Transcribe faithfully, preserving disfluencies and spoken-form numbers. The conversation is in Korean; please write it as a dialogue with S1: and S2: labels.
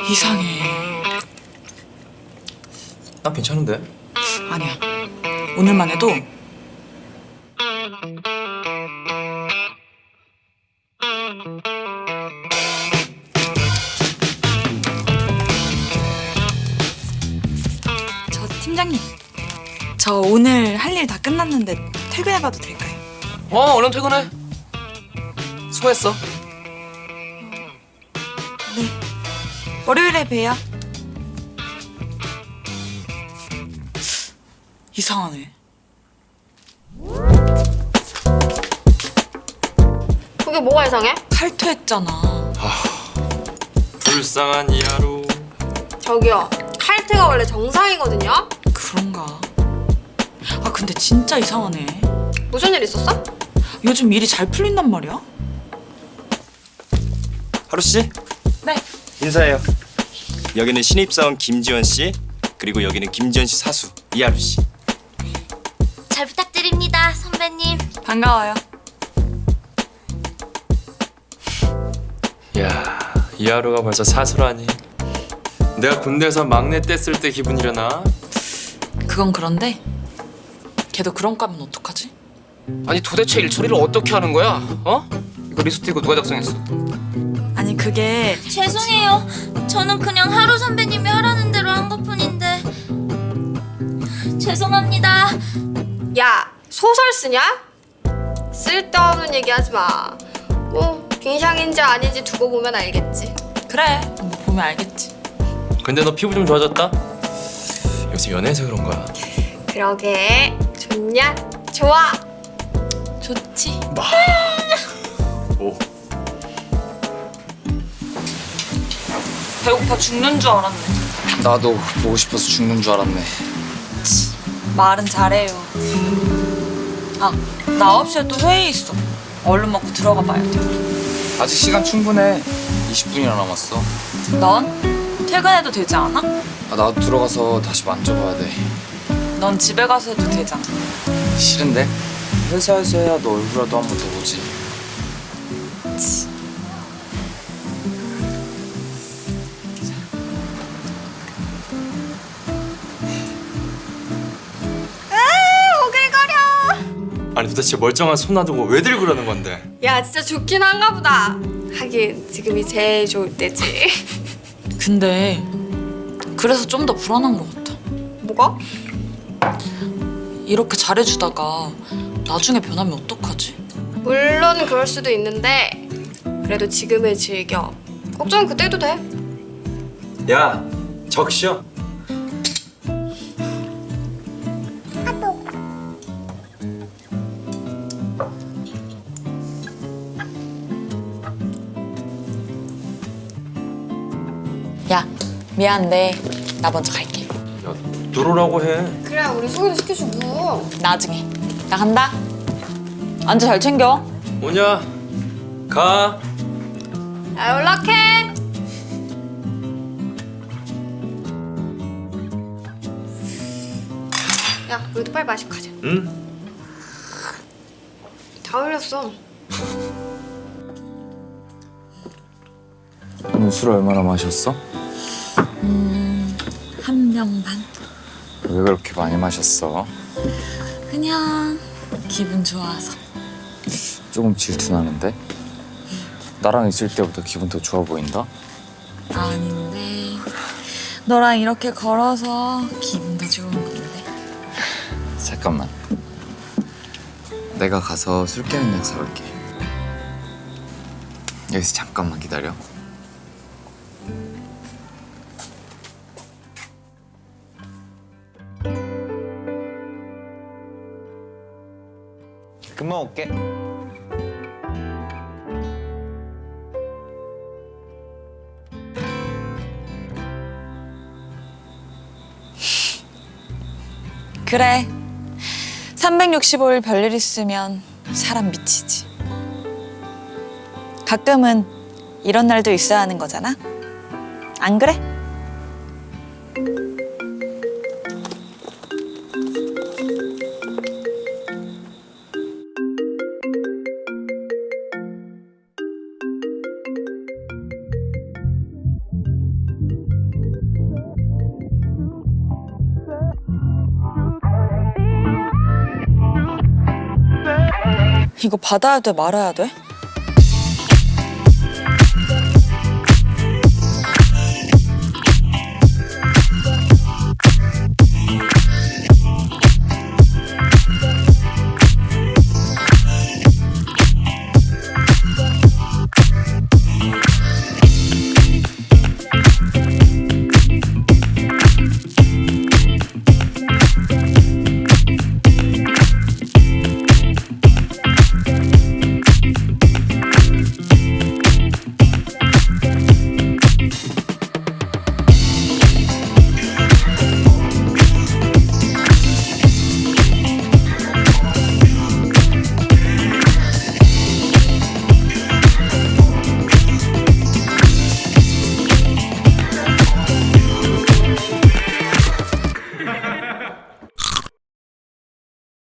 S1: 이상해.
S2: 난 괜찮은데?
S1: 아니야. 오늘만 해도 저 팀장님, 저 오늘 할 일 다 끝났는데 퇴근해봐도 될까요?
S2: 어, 얼른 퇴근해. 수고했어.
S1: 네. 월요일에 봬요. 이상하네.
S3: 그게 뭐가 이상해?
S1: 칼퇴했잖아.
S2: 불쌍한 이하루.
S3: 저기요, 칼퇴가 원래 정상이거든요?
S1: 그런가? 아 근데 진짜 이상하네.
S3: 무슨 일 있었어?
S1: 요즘 일이 잘 풀린단 말이야?
S4: 하루 씨,
S1: 네.
S4: 인사해요. 여기는 신입사원 김지원 씨, 그리고 여기는 김지원 씨 사수 이하루 씨.
S5: 잘 부탁드립니다, 선배님.
S1: 반가워요.
S2: 야, 이하루가 벌써 사수라니. 내가 군대에서 막내 뗐을 때 기분이려나?
S1: 그건 그런데 걔도 그런 까면 어떡하지?
S2: 아니 도대체 일 처리를 어떻게 하는 거야? 어? 이거 리스트 이거 누가 작성했어?
S1: 아니 그게
S5: 죄송해요. 저는 그냥 하루 선배님이 하라는 대로 한 것뿐인데. 죄송합니다.
S3: 야, 소설 쓰냐? 쓸데없는 얘기 하지 마. 뭐, 빙샹인지 아닌지 두고 보면 알겠지.
S1: 그래 뭐 보면 알겠지.
S2: 근데 너 피부 좀 좋아졌다? 요새 연애해서 그런 거야.
S3: 그러게, 좋냐? 좋아!
S1: 좋지.
S2: 오.
S1: 배고파 죽는 줄 알았네.
S6: 나도 보고 싶어서 죽는 줄 알았네.
S1: 말은 잘해요. 아, 나 아홉 시에 또 회의 있어. 얼른 먹고 들어가 봐야 돼.
S6: 아직 시간 충분해. 이십 분이나 남았어.
S1: 넌 퇴근해도 되지 않아?
S6: 아, 나도 들어가서 다시 만져봐야 돼.
S1: 넌 집에 가서 해도 되잖아.
S6: 싫은데? 회사에서 해야 너 얼굴이라도 한 번 더 보지.
S2: 아니 도대체 멀쩡한 손 놔두고 왜 들고 그러는 건데?
S3: 야, 진짜 좋긴 한가 보다. 하긴, 지금이 제일 좋을 때지.
S1: 근데 그래서 좀 더 불안한 것 같아.
S3: 뭐가?
S1: 이렇게 잘해주다가 나중에 변하면 어떡하지?
S3: 물론 그럴 수도 있는데, 그래도 지금을 즐겨. 걱정은 그때 해도 돼.
S4: 야, 적셔.
S1: 야, 미안한데 나 먼저 갈게.
S2: 야, 들어오라고 해.
S3: 그래, 우리 소개도 시켜주고.
S1: 나중에. 나 간다. 안주 잘 챙겨.
S2: 오냐? 가.
S3: 야, 연락해. 야, 우리도 빨리 마시고 가자.
S2: 응?
S3: 다 흘렸어.
S6: 오늘 술 얼마나 마셨어?
S1: 한 병 반.
S6: 왜 그렇게 많이 마셨어?
S1: 그냥 기분 좋아서.
S6: 조금 질투나는데? 나랑 있을 때보다 기분 더 좋아 보인다?
S1: 아닌데 너랑 이렇게 걸어서 기분 더 좋은 건데.
S6: 잠깐만. 내가 가서 술 깨는 약 사올게. 여기서 잠깐만 기다려. 금방 올게.
S1: 그래. 삼백육십오 일 별일 있으면 사람 미치지. 가끔은 이런 날도 있어야 하는 거잖아. 안 그래? 이거 받아야 돼, 말아야 돼?